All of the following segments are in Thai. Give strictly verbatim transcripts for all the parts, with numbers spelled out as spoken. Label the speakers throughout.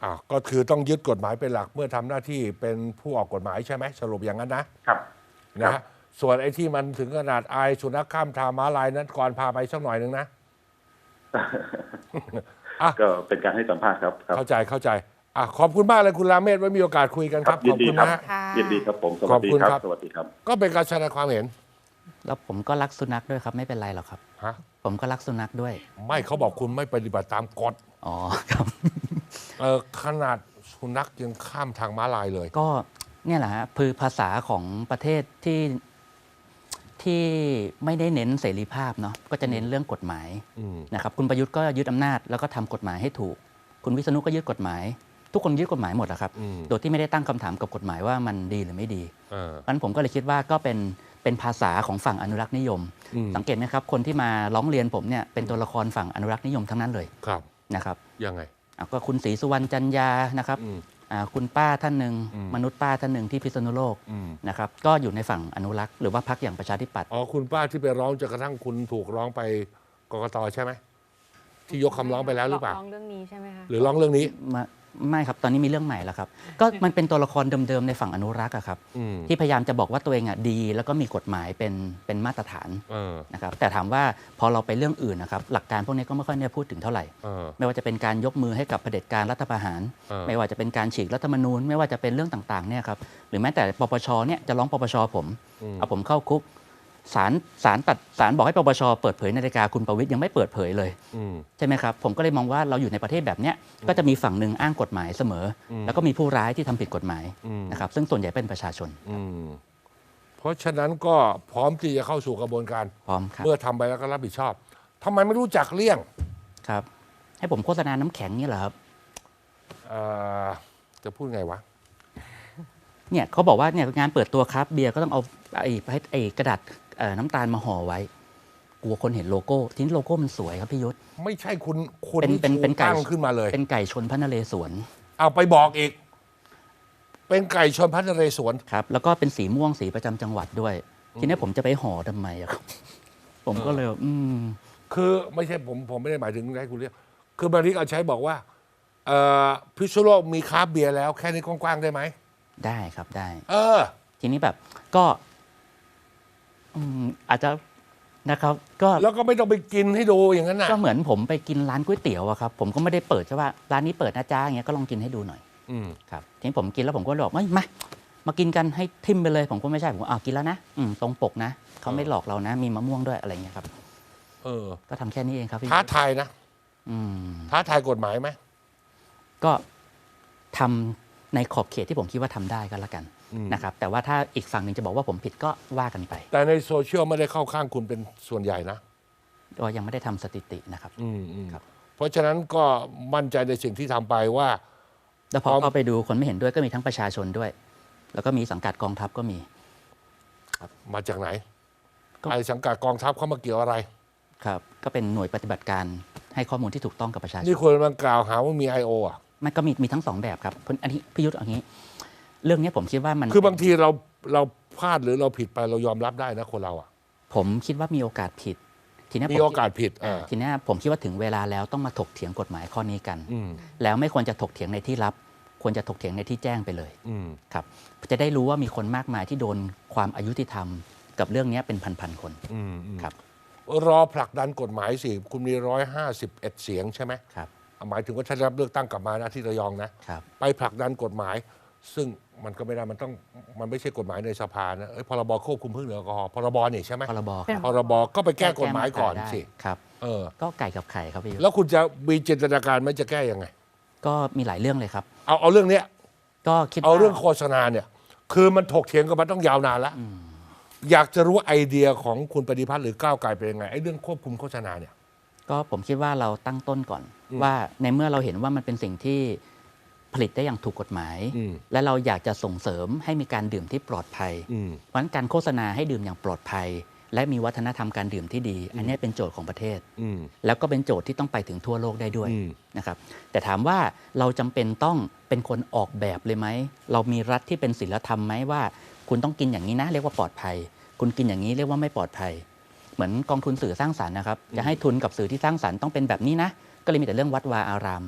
Speaker 1: อ่าก็คือต้องยึดกฎหมายเป็นหลักเมื่อทำหน้าที่เป็นผู้ออกกฎหมายใช่ไหมสรุปอย่างนั้นนะครับนะฮะส่วนไอ้ที่มันถึงขนาดอายสุนัขข้ามทางม้าลายนั้นก่อนพาไปสักหน่อยหนึ่งนะ อ่ะ
Speaker 2: ก็เป็นการให้สัมภาษณ์ครับครับ
Speaker 1: เข้าใจเข้าใจอ่ะขอบคุณมากเลยคุณราเมศไว้มีโอกาสคุยกันครับ
Speaker 2: ยิ
Speaker 1: ข
Speaker 2: น
Speaker 1: อบ
Speaker 2: ดี
Speaker 1: คุณ
Speaker 2: ครับ
Speaker 1: นะฮะ
Speaker 3: ค่ะ
Speaker 2: ยินดีครับผมส
Speaker 1: ข
Speaker 2: วั
Speaker 1: อ
Speaker 2: ส
Speaker 1: บ
Speaker 2: ดี
Speaker 1: คุณ
Speaker 2: ครับ
Speaker 1: ครับ
Speaker 2: สวัสดีครับ
Speaker 1: ก็เป็นการแสดงความเห็น
Speaker 4: แล้วผมก็รักสุนัขด้วยครับไม่เป็นไรหรอกครับ
Speaker 1: ฮะ
Speaker 4: ผมก็รักสุนัขด้วย
Speaker 1: ไม่เขาบอกคุณไม่ปฏิบัติตามกฎ
Speaker 4: อ๋อครับ
Speaker 1: เออขนาดสุนัขยังข้ามทางม้าลายเลย
Speaker 4: ก็เนี่ยแหละฮะคือภาษาของประเทศที่ที่ไม่ได้เน้นเสรีภาพเนาะก็จะเน้นเรื่องกฎหมาย
Speaker 1: อืม
Speaker 4: นะครับคุณประยุทธ์ก็ยึดอำนาจแล้วก็ทำกฎหมายให้ถูก คุณวิษณุก็ยึดกฎหมาย ทุกคนยึดกฎหมายหมดอะครับ
Speaker 1: อืม
Speaker 4: โดยที่ไม่ได้ตั้งคำถามกับกฎหมายว่ามันดีหรือไม่ดี
Speaker 1: เออ
Speaker 4: เพราะฉะนั้นผมก็เลยคิดว่าก็เป็นเป็นภาษาของฝั่งอนุรักษ์นิยม
Speaker 1: อืม
Speaker 4: สังเกตไหมครับคนที่มาร้องเรียนผมเนี่ยเป็นตัวละครฝั่งอนุรักษ์นิยมทั้งนั้นเลย
Speaker 1: ครับ
Speaker 4: นะครับ
Speaker 1: ยังไง
Speaker 4: อ่ะก็คุณศรีสุวรรณจันยานะครับ
Speaker 1: อืม
Speaker 4: อ่าคุณป้าท่านหนึ่ง
Speaker 1: อืม
Speaker 4: มนุษย์ป้าท่านหนึ่งที่พิษณุโลก
Speaker 1: อืม
Speaker 4: นะครับก็อยู่ในฝั่งอนุรักษ์หรือว่าพรรคอย่างประชาธิปัตย์
Speaker 1: อ๋อคุณป้าที่ไปร้องจนกระทั่งคุณถูกร้องไปกกตใช่ไหมที่ยกคำร้องไปแล้วหรือเปล่า
Speaker 3: ร้องเรื่องนี้ใช่ไหมคะ
Speaker 1: หรือร้องเรื่องนี้
Speaker 4: มาไม่ครับตอนนี้มีเรื่องใหม่แล้วครับ ก็มันเป็นตัวละครเดิมๆในฝั่งอนุรักษ์อะครับ
Speaker 1: อืม
Speaker 4: ที่พยายามจะบอกว่าตัวเองอ่ะดี แล้วก็มีกฎหมายเป็นเป็นมาตรฐาน
Speaker 1: เออ
Speaker 4: นะครับแต่ถามว่าพอเราไปเรื่องอื่นนะครับหลักการพวกนี้ก็ไม่ค่อยได้พูดถึงเท่าไหร่
Speaker 1: เออ
Speaker 4: ไม่ว่าจะเป็นการยกมือให้กับเผด็จการรัฐประหาร
Speaker 1: เออ
Speaker 4: ไม่ว่าจะเป็นการฉีกรัฐธรรมนูญ ไม่ว่าจะเป็นเรื่องต่างๆเนี่ยครับหรือแม้แต่ปปชเนี่ยจะร้องปปชผม
Speaker 1: อืม
Speaker 4: เอาผมเข้าคุกศาลศาลตัดศาลบอกให้ปปชเปิดเผยนาฬิกาคุณประวิตรยังไม่เปิดเผยเลย
Speaker 1: อืม
Speaker 4: ใช่ไหมครับผมก็เลยมองว่าเราอยู่ในประเทศแบบเนี้ยก็จะมีฝั่งหนึ่งอ้างกฎหมายเสมออ
Speaker 1: ม
Speaker 4: แล้วก็มีผู้ร้ายที่ทำผิดกฎหมาย
Speaker 1: อืม
Speaker 4: นะครับซึ่งส่วนใหญ่เป็นประชาชน
Speaker 1: อืมเพราะฉะนั้นก็พร้อมที่จะเข้าสู่กระบวนการ
Speaker 4: พร้อมครับ
Speaker 1: เมื่อทำไปแล้วก็รับผิดชอบทำไมไม่รู้จักเลี่ยง
Speaker 4: ครับให้ผมโฆษณาน้ำแข็งนี่เหรอครับ
Speaker 1: เอ่อจะพูดไงวะ
Speaker 4: เนี่ยเขาบอกว่าเนี่ยงานเปิดตัวครับเบียร์ก็ต้องเอาไอ้ไอ้กระดาษเอ่อน้ำตาลมาห่อไว้กลัวคนเห็นโลโก้ทีนี้โลโก้มันสวยครับพี่ยุทธ
Speaker 1: ไม่ใช่คุณคุณ
Speaker 4: เป็น
Speaker 1: ที่
Speaker 4: เป็นเป็น
Speaker 1: ถู
Speaker 4: ไก่
Speaker 1: ตั้งขึ้นมาเลย
Speaker 4: เป็นไก่ชนพระนเรศวร
Speaker 1: เอาไปบอกอีก เป็นไก่ชนพันธุ์นเรศวร
Speaker 4: ครับแล้วก็เป็นสีม่วงสีประจำจังหวัดด้วย ทีนี้ผมจะไปห่อทำไมอะครับ ผมก็เลยอืม
Speaker 1: คือไม่ใช่ผมผมไม่ได้หมายถึงให้คุณเรียกคือบางทีเอาใช้บอกว่าเอ่อพิษณุโลกมีคราฟต์เบียร์แล้วแค่นี้กว้างๆได้ไหม
Speaker 4: ได้ครับได้
Speaker 1: เออ
Speaker 4: ทีนี้แบบก็อืมอาจจะนะครับ ก็
Speaker 1: แล้วก็ไม่ต้องไปกินให้ดูอย่างนั้นนะ
Speaker 4: ก็เหมือนผมไปกินร้านก๋วยเตี๋ยวอะครับผมก็ไม่ได้เปิดใช่ว่าร้านนี้เปิดนะจ้าอย่างเงี้ยก็ลองกินให้ดูหน่อย
Speaker 1: อืม
Speaker 4: ครับทีนี้ผมกินแล้วผมก็บอกไม่มามากินกันให้ทิมไปเลย ผมก็ไม่ใช่ผมก็อ้าวกินแล้วนะอืมตรงปกนะเขาไม่หลอกเรานะ มีมะม่วงด้วยอะไรเงี้ยครับ
Speaker 1: เออ
Speaker 4: ก็ทำแค่นี้เองครับพี่
Speaker 1: ท้าทายนะ
Speaker 4: อืม
Speaker 1: ท้าทายกฎหมายไหม
Speaker 4: ก็ทำในขอบเขตที่ผมคิดว่าทำได้ก็แล้วกัน
Speaker 1: อืม
Speaker 4: นะครับแต่ว่าถ้าอีกฝั่งหนึ่งจะบอกว่าผมผิดก็ว่ากันไป
Speaker 1: แต่ในโซเชียลไม่ได้เข้าข้างคุณเป็นส่วนใหญ่นะ
Speaker 4: ก็ยังไม่ได้ทำสถิตินะครับ
Speaker 1: อืมอืม
Speaker 4: ครับ
Speaker 1: เพราะฉะนั้นก็มั่นใจในสิ่งที่ทำไปว่า
Speaker 4: แล้วพอ
Speaker 1: พร้อม
Speaker 4: เข้าไปดูคนไม่เห็นด้วยก็มีทั้งประชาชนด้วย แล้วก็มีสังกัดกองทัพก็มี
Speaker 1: มาจากไหน
Speaker 4: ก็
Speaker 1: ไอ้สังกัดกองทัพเขามาเกี่ยวอะไร
Speaker 4: ครับก็เป็นหน่วยปฏิบัติการให้ข้อมูลที่ถูกต้องกับประชาชน
Speaker 1: นี่คนมันกล่าวหาว่ามี ไอ โอ อ่ะ
Speaker 4: มันก็มีมีทั้งสองแบบครับอันนี้พิยุทธ์อย่างนี้ เรื่องนี้ผมคิดว่ามัน
Speaker 1: คือบางทีเราเราพลาดหรือเราผิดไปเรายอมรับได้นะคนเราอ่ะ
Speaker 4: ผมคิดว่ามีโอกาสผิด ทีนี้
Speaker 1: มี
Speaker 4: ผม
Speaker 1: โอกาสผิด
Speaker 4: อ่า
Speaker 1: อ่า
Speaker 4: ทีนี้ผมคิดว่าถึงเวลาแล้วต้องมาถกเถียงกฎหมายข้อนี้กัน
Speaker 1: อืม
Speaker 4: แล้วไม่ควรจะถกเถียงในที่ลับ ควรจะถกเถียงในที่แจ้งไปเลย
Speaker 1: อืม
Speaker 4: ครับจะได้รู้ว่ามีคนมากมายที่โดนความอายุติธรรม กับเรื่องนี้เป็นพันๆคน
Speaker 1: อืมอืม
Speaker 4: ครับ
Speaker 1: รอผลักดันกฎหมายสิคุณมีร้อยห้าสิบเอ็ดเสียงใช่ไหม
Speaker 4: ครับ
Speaker 1: หมายถึงว่าถ้าได้รับเลือกตั้งกลับมานะที่ระยองนะ
Speaker 4: ครับ
Speaker 1: ไปผลักดันกฎหมาย ซึ่งมันก็ไม่ได้มันต้องมันไม่ใช่กฎหมายในสภานะเอ้ยพรบควบคุมเครื่องดื่มแอลกอฮอล์พรบนี่ใช่ไหม
Speaker 4: พรบ
Speaker 3: เป็น
Speaker 4: ครับ
Speaker 1: พรบก็ไปแก้กฎหมายก่อน
Speaker 4: แได้
Speaker 1: สิ
Speaker 4: ครับ
Speaker 1: เออ
Speaker 4: ก็ไก่กับไข่ครับพี่ยุทธ
Speaker 1: แล้วคุณจะมีจินตนาการไหมจะแก้ยังไง
Speaker 4: ก็มีหลายเรื่องเลยครับ
Speaker 1: เอาเอาเรื่องเนี้ย
Speaker 4: ก็คิด
Speaker 1: เอา
Speaker 4: ว่า
Speaker 1: เรื่องโฆษณาเนี่ย คือมันถกเถียงกันมาต้องยาวนานแล้วอยากจะรู้ไอเดียของคุณปฏิพัฒน์หรือก้าวไกลเป็นยังไงไอ้เรื่องควบคุมโฆษณาเนี่ย
Speaker 4: ก็ผมคิดว่าเราตั้งต้นก่อน
Speaker 1: อืม
Speaker 4: ว่าในเมื่อเราเห็นว่ามันเป็นสิ่งที่ผลิตได้อย่างถูกกฎหมาย
Speaker 1: อืม
Speaker 4: และเราอยากจะส่งเสริมให้มีการดื่มที่ปลอดภัย
Speaker 1: อืม
Speaker 4: เพราะฉะนั้นการโฆษณาให้ดื่มอย่างปลอดภัย และมีวัฒนธรรมการดื่มที่ดี อันนี้เป็นโจทย์ของประเทศ
Speaker 1: อืม
Speaker 4: แล้วก็เป็นโจทย์ที่ต้องไปถึงทั่วโลกได้ด้วย
Speaker 1: อืม
Speaker 4: นะครับแต่ถามว่าเราจำเป็นต้องเป็นคนออกแบบเลยไหมเรามีรัฐที่เป็นศีลธรรมไหมว่า คุณต้องกินอย่างนี้นะเรียกว่าปลอดภัย คุณกินอย่างนี้เรียกว่าไม่ปลอดภัย เหมือนกองทุนสื่อสร้างสรรค์นะครับจะให้ทุนกับสื่อที่สร้างสรรค์ต้องเป็นแบบนี้นะก็เลยมีแต่เรื่องวัดวาอาราม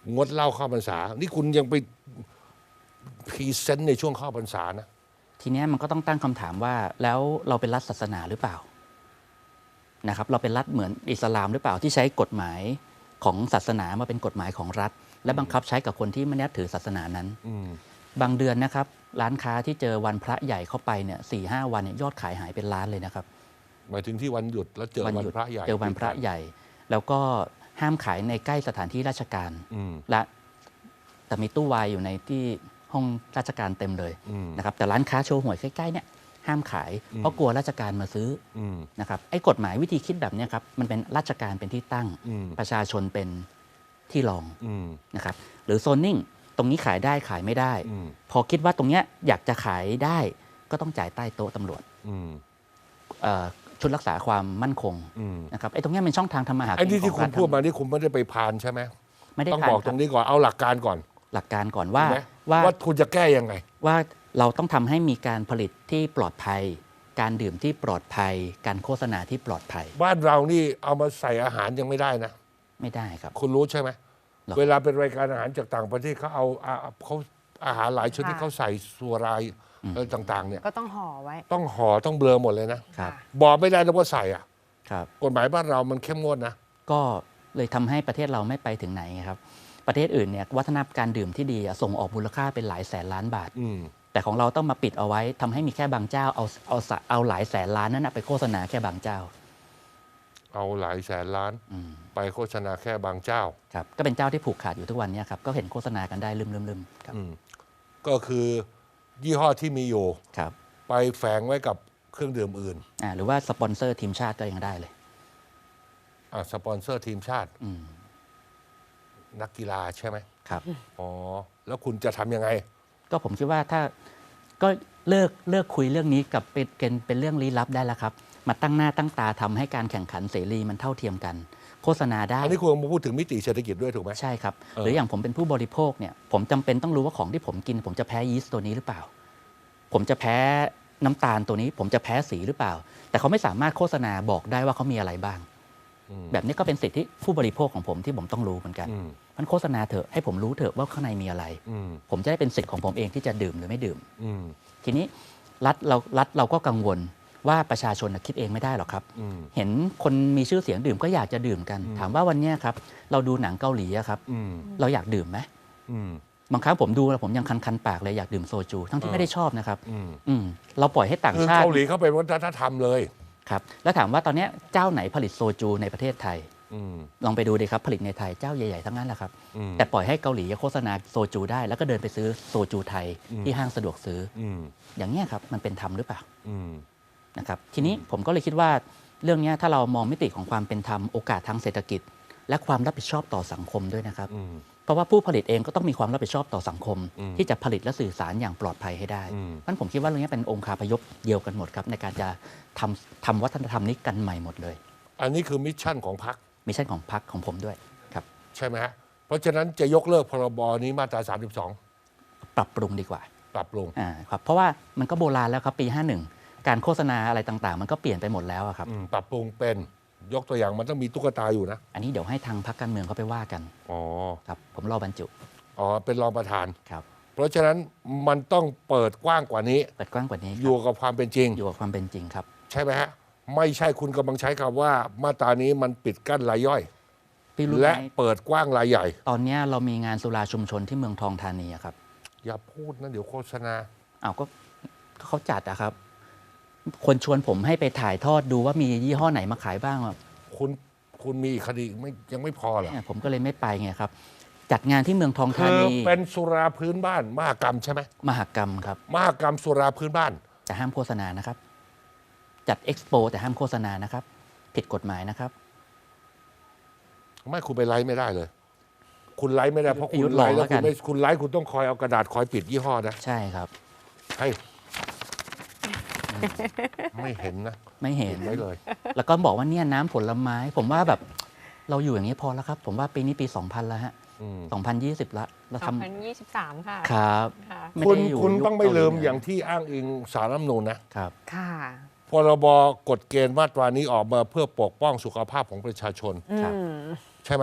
Speaker 1: งดเหล้าเข้าพรรษา นี่คุณยังไปพรีเซนต์ในช่วงเข้าพรรษานะ
Speaker 4: ทีเนี้ยมันก็ต้องตั้งคำถามว่าแล้วเราเป็นรัฐศาสนาหรือเปล่านะครับเราเป็นรัฐเหมือนอิสลามหรือเปล่าที่ใช้กฎหมายของศาสนามาเป็นกฎหมายของรัฐ และบังคับใช้กับคนที่ไม่นับถือศาสนานั้น
Speaker 1: อืม
Speaker 4: บางเดือนนะครับร้านค้าที่เจอวันพระใหญ่เข้าไปเนี่ยสี่ห้าวันเนี่ยยอดขายหายเป็นล้านเลยนะครับ
Speaker 1: หมายถึงที่วันหยุดแล้วเจอวัน
Speaker 4: หยุด
Speaker 1: พระใหญ่
Speaker 4: เจอวันพระใหญ่ แล้วก็ห้ามขายในใกล้สถานที่ราชการ
Speaker 1: อืม
Speaker 4: และแต่มีตู้วายอยู่ในที่ห้องราชการเต็มเลย
Speaker 1: อืม
Speaker 4: นะครับแต่ร้านค้าโชว์หวยใกล้ๆเนี่ยห้ามขาย
Speaker 1: อืม
Speaker 4: เพราะกลัวราชการมาซื้อ
Speaker 1: อืม
Speaker 4: นะครับไอ้กฎหมายวิธีคิดแบบเนี้ยครับมันเป็นราชการเป็นที่ตั้ง
Speaker 1: อืม
Speaker 4: ประชาชนเป็นที่รอง
Speaker 1: อืม
Speaker 4: นะครับหรือโซนนิ่งตรงนี้ขายได้ขายไม่ได้
Speaker 1: อืม
Speaker 4: พอคิดว่าตรงเนี้ยอยากจะขายได้ก็ต้องจ่ายใต้โต๊ะตำรวจ
Speaker 1: อืม
Speaker 4: เอ่อชุดรักษาความมั่นคง
Speaker 1: อืม
Speaker 4: นะครับไอ้ตรงเนี้ยเป็นช่องทางทำมาหากิน
Speaker 1: ไอ้ที่ที่
Speaker 4: ข
Speaker 1: คุ
Speaker 4: อง
Speaker 1: ณ
Speaker 4: รัฐ
Speaker 1: พูดมานี่คุณไม่ได้ไปพานใช่ไหม
Speaker 4: ไม่ได้
Speaker 1: ต้อง
Speaker 4: ผ่า
Speaker 1: บอก
Speaker 4: นค
Speaker 1: ต
Speaker 4: รั
Speaker 1: ร
Speaker 4: บ
Speaker 1: งนี้ก่อนเอาหลักการก่อน
Speaker 4: หลักการก่อนว่า
Speaker 1: เห็นไหม
Speaker 4: ว่า
Speaker 1: ว่าคุณจะแก้ยังไง
Speaker 4: ว่าเราต้องทำให้มีการผลิตที่ปลอดภัย การดื่มที่ปลอดภัย การโฆษณาที่ปลอดภัย
Speaker 1: บ้านเรานี่เอามาใส่อาหารยังไม่ได้นะ
Speaker 4: ไม่ได้ครับ
Speaker 1: คุณรู้ใช่ไหม
Speaker 4: หรอ
Speaker 1: เวลาเป็นรายการอาหารจากต่างประเทศเขาเอาอาเขาอาหารหลายชนิด
Speaker 3: ค่ะ
Speaker 1: เขาใส่สัวรายอะไรต่าง ๆ เนี่ย
Speaker 3: ก็ต้องห่อไว้
Speaker 1: ต้องห่อต้องเบลอหมดเลยนะครับ
Speaker 3: ค่ะ
Speaker 1: บอกไม่ได้นะว่าใส่อ่ะ
Speaker 4: ครับ
Speaker 1: กฎหมายบ้านเรามันเข้มงวดนะ
Speaker 4: ก็เลยทำให้ประเทศเราไม่ไปถึงไหนไงครับ ประเทศอื่นเนี่ยวัฒนธรรมการดื่มที่ดีอะส่งออกมูลค่าเป็นหลายแสนล้านบาท
Speaker 1: อืม
Speaker 4: แต่ของเราต้องมาปิดเอาไว้ทำให้มีแค่บางเจ้าเอาเอาสะเอาหลายแสนล้านนั้นนะไปโฆษณาแค่บางเจ้า
Speaker 1: เอาหลายแสนล้าน
Speaker 4: อืม
Speaker 1: ไปโฆษณาแค่บางเจ้า
Speaker 4: ครับก็เป็นเจ้าที่ผูกขาดอยู่ทุกวันเนี้ครับก็เห็นโฆษณากันได้ลืมๆๆครับ
Speaker 1: อืมก็คือยี่ห้อที่มีอยู่
Speaker 4: ครับ
Speaker 1: ไปแฝงไว้กับเครื่องดื่มอื่น
Speaker 4: อ่าหรือว่าสปอนเซอร์ทีมชาติก็ยังได้เลย
Speaker 1: อ่ะสปอนเซอร์ทีมชาติ
Speaker 4: อืม
Speaker 1: นักกีฬาใช่ไหม
Speaker 4: ครับ
Speaker 1: อ๋อ แล้วคุณจะทำยังไง
Speaker 4: ก็ผมคิดว่าถ้าก็เลิกเลิกคุยเรื่องนี้กับเป็นเป็นเป็นเรื่องลี้ลับได้แล้วครับ มาตั้งหน้าตั้งตาทำให้การแข่งขันเสรีมันเท่าเทียมกัน โฆษณาได้
Speaker 1: อันนี้คุณมาพูดถึงมิติเศรษฐกิจด้วยถูกไหม
Speaker 4: ใช่ครับ
Speaker 1: เออ
Speaker 4: หรืออย่างผมเป็นผู้บริโภคเนี่ยผมจำเป็นต้องรู้ว่าของที่ผมกิน ผมจะแพ้ยีสต์ตัวนี้หรือเปล่า ผมจะแพ้น้ำตาลตัวนี้ ผมจะแพ้สีหรือเปล่า แต่เขาไม่สามารถโฆษณาบอกได้ว่าเขามีอะไรบ้าง
Speaker 1: อืม
Speaker 4: แบบนี้ก็เป็นสิทธิผู้บริโภคของผมที่ผมต้องรู้เหมือนกัน
Speaker 1: อืม
Speaker 4: มันโฆษณาเถอะให้ผมรู้เถอะว่าข้างในมีอะไร
Speaker 1: อืม
Speaker 4: ผมจะได้เป็นสิทธิ์ของผมเองที่จะดื่มหรือไม่ดื่ม
Speaker 1: อืม
Speaker 4: ทีนี้รัฐเรารัฐเราก็กังวลว่าประชาชนน่ะคิดเองไม่ได้หรอกครับ
Speaker 1: อืม
Speaker 4: เห็นคนมีชื่อเสียงดื่มก็อยากจะดื่มกัน
Speaker 1: อืม
Speaker 4: ถามว่าวันเนี้ยครับเราดูหนังเกาหลีอะครับ
Speaker 1: อืม
Speaker 4: เราอยากดื่มไหม
Speaker 1: อืม
Speaker 4: บางครั้งผมดูแล้วผมยังคันๆปากเลยอยากดื่มโซจู ทั้งที่
Speaker 1: เออ
Speaker 4: ไม่ได้ชอบนะครับ
Speaker 1: อืม
Speaker 4: อืมเราปล่อยให้ต่าง
Speaker 1: คือ
Speaker 4: ชาติ
Speaker 1: เกาหลีเขาเป็นวัฒนธรรมเลย
Speaker 4: ครับแล้วถามว่าตอนเนี้ยเจ้าไหนผลิตโซจูในประเทศไทย
Speaker 1: อืม
Speaker 4: ลองไปดูดิครับผลิตในไทยเจ้าใหญ่ๆทั้งนั้นแหละครับ
Speaker 1: อืม
Speaker 4: แต่ปล่อยให้เกาหลีโฆษณาโซจูได้ แล้วก็เดินไปซื้อโซจูไทย
Speaker 1: อืม
Speaker 4: ที่ห้างสะดวกซื้อ
Speaker 1: อืม
Speaker 4: อย่างเนี้ยครับมันเป็นธรรมหรือเปล่า
Speaker 1: อืม
Speaker 4: นะครับทีนี้ผมก็เลยคิดว่าเรื่องเนี้ยถ้าเรามองมิติของความเป็นธรรมโอกาสทางเศรษฐกิจ และความรับผิดชอบต่อสังคมด้วยนะครับ
Speaker 1: อืม
Speaker 4: เพราะว่าผู้ผลิตเองก็ต้องมีความรับผิดชอบต่อสังคม
Speaker 1: อืม
Speaker 4: ที่จะผลิตและสื่อสารอย่างปลอดภัยให้ได้
Speaker 1: อืม
Speaker 4: เพราะฉะนั้นผมคิดว่าเรื่องนี้เป็นองค์คาพยพเดียวกันหมดครับในการจะทำทำวัฒนธรรมนี้กันใหม่หมดเลย
Speaker 1: อันนี้คือมิชชั่นของพรรค
Speaker 4: มิชชั่นของพรรคของผมด้วยครับ
Speaker 1: ใช่ไหมฮะ เพราะฉะนั้นจะยกเลิกพรบนี้มาตราสามสิบสอง
Speaker 4: ปรับปรุงดีกว่า
Speaker 1: ปรับลง
Speaker 4: อ่าครับเพราะว่ามันก็โบราณแล้วครับปีห้าสิบเอ็ดการโฆษณาอะไรต่างๆ มันก็เปลี่ยนไปหมดแล้วอะครับ
Speaker 1: อืมปรับปรุงเป็นยกตัวอย่างมันต้องมีตุ๊กตาอยู่นะ
Speaker 4: อันนี้เดี๋ยวให้ทางพรรคการเมืองเขาไปว่ากัน
Speaker 1: อ๋อ
Speaker 4: ครับผมรอบรรจุ
Speaker 1: อ๋อ เป็นรองประธาน
Speaker 4: ครับ
Speaker 1: เพราะฉะนั้นมันต้องเปิดกว้างกว่านี้
Speaker 4: เปิดกว้างกว่านี้ค
Speaker 1: อ
Speaker 4: รับ
Speaker 1: ยู่กับความเป็นจริง
Speaker 4: อยู่กับความเป็นจริงครับ
Speaker 1: ใช่ไหมฮะ ไม่ใช่คุณกำลังใช้คำว่ามาตรานี้มันปิดกั้นรายย่อย
Speaker 4: พี่รู้ไห
Speaker 1: และ
Speaker 4: ม
Speaker 1: เปิดกว้างรายใหญ่
Speaker 4: ตอนเนี้ยเรามีงานสุราชุมชนที่เมืองทองธานีอะครับ
Speaker 1: อย่าพูดนะเดี๋ยวโฆษณา
Speaker 4: อ้าวก็ก็เขาจัดอะครับ คนชวนผมให้ไปถ่ายทอดดูว่ามียี่ห้อไหนมาขายบ้างอะ
Speaker 1: คุณคุณมีอีกคดีไม่ยังไม่พอเหรอ
Speaker 4: เนี่ยผมก็เลยไม่ไปไงครับ จัดงานที่เมืองทองธา
Speaker 1: คือ
Speaker 4: นี
Speaker 1: เป็นสุราพื้นบ้านมหกรรมใช่ไหม
Speaker 4: มหกรรมครับ
Speaker 1: มหกรรมสุราพื้นบ้าน
Speaker 4: แต่ห้ามโฆษณานะครับ จัดเอ็กซ์โปแต่ห้ามโฆษณานะครับ ผิดกฎหมายนะครับ
Speaker 1: ไม่คุณไปไลฟ์ไม่ได้เลย คุณไลฟ์ไม่ได้เพราะ
Speaker 4: ประยุ
Speaker 1: คุ
Speaker 4: ท
Speaker 1: ณ
Speaker 4: ธ์
Speaker 1: ไลฟ์
Speaker 4: ลองแล้
Speaker 1: แล้ว
Speaker 4: วกั
Speaker 1: คุณ
Speaker 4: น
Speaker 1: ไม่คุณไลฟ์คุณต้องคอยเอากระดาษคอยปิดยี่ห้อนะ
Speaker 4: ใช่ครับ
Speaker 1: ให้ไม่เห็นนะ
Speaker 4: ไม่เห็น
Speaker 1: ปิดไว้เลย
Speaker 4: แล้วก็บอกว่าเนี่ยน้ำผลไม้ ผมว่าแบบเราอยู่อย่างนี้พอแล้วครับ ผมว่าปีนี้ปีสองพันแล้วฮะ
Speaker 1: อืม
Speaker 4: สองพันยี่สิบละเรา
Speaker 3: สอง
Speaker 4: ทำ
Speaker 3: พันยี่สิบสามค่ะ
Speaker 4: ครับ
Speaker 3: ค่ะ
Speaker 4: ไม่
Speaker 1: คุณ
Speaker 4: ได้อยู่
Speaker 1: คุณ
Speaker 4: ยุค
Speaker 1: ต้องไม่ลืม
Speaker 4: เกห
Speaker 1: อย่างที่อ้างอิงสารรัฐธรรมนูญนะ
Speaker 4: ครับ
Speaker 3: ค่ะ
Speaker 1: พรบกฎเกณฑ์มาตรานี้ออกมาเพื่อปกป้องสุขภาพของประชาชน
Speaker 3: อื
Speaker 4: ครับ
Speaker 3: ม
Speaker 1: ใช่ไหม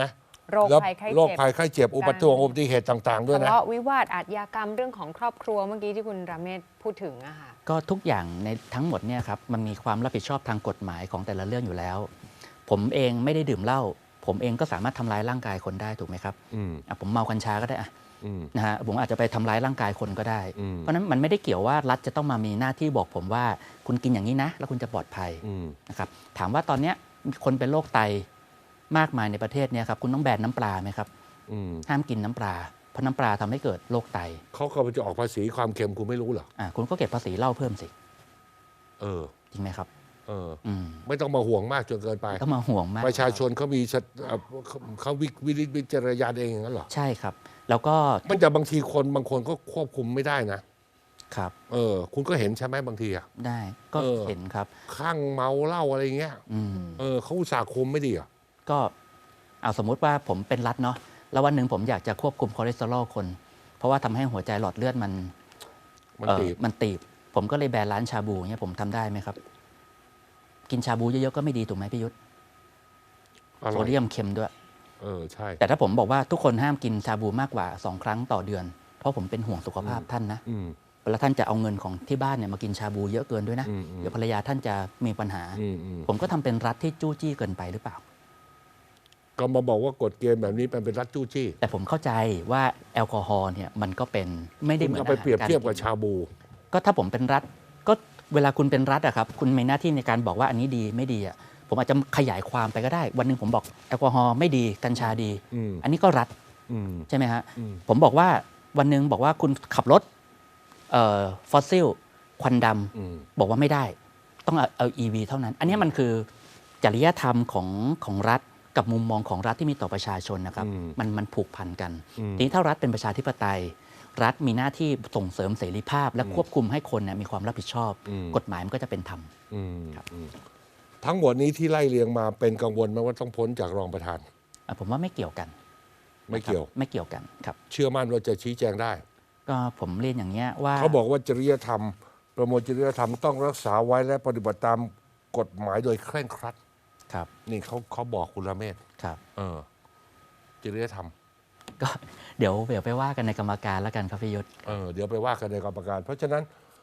Speaker 3: โรค
Speaker 1: แล้ว
Speaker 3: ภัยไข้
Speaker 1: โรค
Speaker 3: เจ็บ
Speaker 1: ภัยไข้เจ็บอุบัติเหตุอุบัติเหตุต่าง ๆ ด้วย
Speaker 3: ทะ
Speaker 1: นะ
Speaker 3: เลาะวิวาทอาชญากรรมเรื่องของครอบครัวเมื่อกี้ที่คุณราเมศพูดถึงอะค่ะ
Speaker 4: ก็ทุกอย่างในทั้งหมดเนี่ยครับมันมีความรับผิดชอบทางกฎหมายของแต่ละเรื่องอยู่แล้ว ผมเองไม่ได้ดื่มเหล้าผมเองก็สามารถทำร้ายร่างกายคนได้ถูกไหมครับ
Speaker 1: อืม
Speaker 4: อ่ะผมเมากัญชาก็ได้อะ
Speaker 1: อืม
Speaker 4: นะฮะผมอาจจะไปทำร้ายร่างกายคนก็ได้
Speaker 1: อืม
Speaker 4: เพราะฉะนั้นมันไม่ได้เกี่ยวว่ารัฐจะต้องมามีหน้าที่บอกผมว่าคุณกินอย่างนี้นะ แล้วคุณจะปลอดภัย
Speaker 1: อืม
Speaker 4: นะครับถามว่าตอนเนี้ยมีคนเป็นโรคไตมากมายในประเทศเนี่ยครับคุณต้องแบนน้ำปลาไหมครับ
Speaker 1: อืม
Speaker 4: ห้ามกินน้ำปลาเพราะน้ำปลาทำให้เกิดโรคไต
Speaker 1: เขาก็จะออกภาษีความเค็มคุณไม่รู้เหรอ
Speaker 4: อ่ะคุณก็เก็บภาษีเหล้าเพิ่มสิ
Speaker 1: เออ
Speaker 4: จริงไหมครับ
Speaker 1: เออ
Speaker 4: อืม
Speaker 1: ไม่ต้องมาห่วงมากจนเกินไป
Speaker 4: ต้องมาห่วงมาก
Speaker 1: ประชาชนเขามีสติเอ่อเขาเขาวิวิริวิจารณญาณเองอย่างนั้นเหรอ
Speaker 4: ใช่ครับ แล้วก็
Speaker 1: มันจะบางทีคนบางคนก็ควบคุมไม่ได้นะ
Speaker 4: ครับ
Speaker 1: เออ คุณก็เห็นใช่ไหมบางทีอะ
Speaker 4: ได้ก็
Speaker 1: เออ
Speaker 4: เห็นครับ
Speaker 1: ข้างเมาเหล้าอะไรเงี้ย
Speaker 4: อืม
Speaker 1: เออเขาอุตส่าห์คุมไม่ดีเหรอ่ะ
Speaker 4: ก็เอาสมมุติว่าผมเป็นรัฐเนาะแล้ววันหนึ่งผมอยากจะควบคุมคอเลสเตอรอลคน เพราะว่าทำให้หัวใจหลอดเลือดมัน
Speaker 1: มัน
Speaker 4: เอ่อ
Speaker 1: ตีบ
Speaker 4: มันตีบ ผมก็เลยแบนร้านชาบูเนี่ยผมทำได้ไหมครับ กินชาบูเยอะๆก็ไม่ดีถูกไหมพี่ยุทธ
Speaker 1: อร่
Speaker 4: โซ
Speaker 1: อย
Speaker 4: เดียมเค็มด้วย
Speaker 1: เออใช่
Speaker 4: แต่ถ้าผมบอกว่าทุกคนห้ามกินชาบูมากกว่าสองครั้งต่อเดือน เพราะผมเป็นห่วงสุขภาพท่านนะ
Speaker 1: อืม
Speaker 4: เวลาท่านจะเอาเงินของที่บ้านเนี่ยมากินชาบูเยอะเกินด้วยนะ
Speaker 1: อืมอืม
Speaker 4: เดี๋ยวภรรยาท่านจะมีปัญหา
Speaker 1: อืมอืม
Speaker 4: ผมก็ทำเป็นรัฐที่จู้จี้เกินไปหรือเปล่า
Speaker 1: ก็มาบอกว่ากฎเกณฑ์แบบนี้เป็นเป็นรัฐจู้จี้
Speaker 4: แต่ผมเข้าใจว่าแอลกอฮอล์เนี่ยมันก็เป็นไม่ได้
Speaker 1: คุ
Speaker 4: เห
Speaker 1: ณ
Speaker 4: มือน
Speaker 1: เอาไปเปรียบเทียบกับ
Speaker 4: อาหาร
Speaker 1: ชาบู
Speaker 4: ก็ถ้าผมเป็นรัฐก็เวลาคุณเป็นรัฐอะครับคุณมีหน้าที่ในการบอกว่าอันนี้ดีไม่ดีอะผมอาจจะขยายความไปก็ได้ วันหนึ่งผมบอกแอลกอฮอล์ไม่ดีกัญชาดี
Speaker 1: อืม
Speaker 4: อันนี้ก็รัฐ
Speaker 1: อืม
Speaker 4: ใช่ไหมฮะ
Speaker 1: อืม
Speaker 4: ผมบอกว่าวันหนึ่งบอกว่าคุณขับรถเอ่อฟอสซิลควันด
Speaker 1: อืม
Speaker 4: ำบอกว่าไม่ได้ ต้องเอาเอา อี วี เท่านั้น อันนี้มันคือจริยธรรมของของรัฐกับมุมมองของรัฐที่มีต่อประชาชนนะครับ
Speaker 1: อืม
Speaker 4: มันมันผูกพันกัน
Speaker 1: อืม
Speaker 4: ทีนี้ถ้ารัฐเป็นประชาธิปไตย รัฐมีหน้าที่ส่งเสริมเสรีภาพ และควบคุมให้คนเนี่ยมีความรับผิดชอบ
Speaker 1: อืม
Speaker 4: กฎหมายมันก็จะเป็นธรรม
Speaker 1: อืม
Speaker 4: ครับ
Speaker 1: อืมทั้งหมดนี้ที่ไล่เรียงมาเป็นกังวลไหมว่าต้องพ้นจากรองประธาน
Speaker 4: อ่ะผมว่าไม่เกี่ยวกัน
Speaker 1: ไม่เกี่ยว
Speaker 4: นะครับไม่เกี่ยวกันครับ
Speaker 1: เชื่อมั่นว่าจะชี้แจงได้
Speaker 4: ก็ผมเรียนอย่างเงี้ยว่า
Speaker 1: เขาบอกว่าจริยธรรม ประมวลจริยธรรมต้องรักษาไว้และปฏิบัติตามกฎหมายโดยเคร่งครัด
Speaker 4: ครับ
Speaker 1: นี่เขาเขาบอกคุณละเมศ
Speaker 4: ครับ
Speaker 1: เออ จริยธรรม
Speaker 4: ก็เดี๋ยวเดี๋ยวไปว่ากันในกรรมการแล้วกันครับพี่ยุทธ
Speaker 1: เออเดี๋ยวไปว่ากันในกรรมการ เพราะฉะนั้น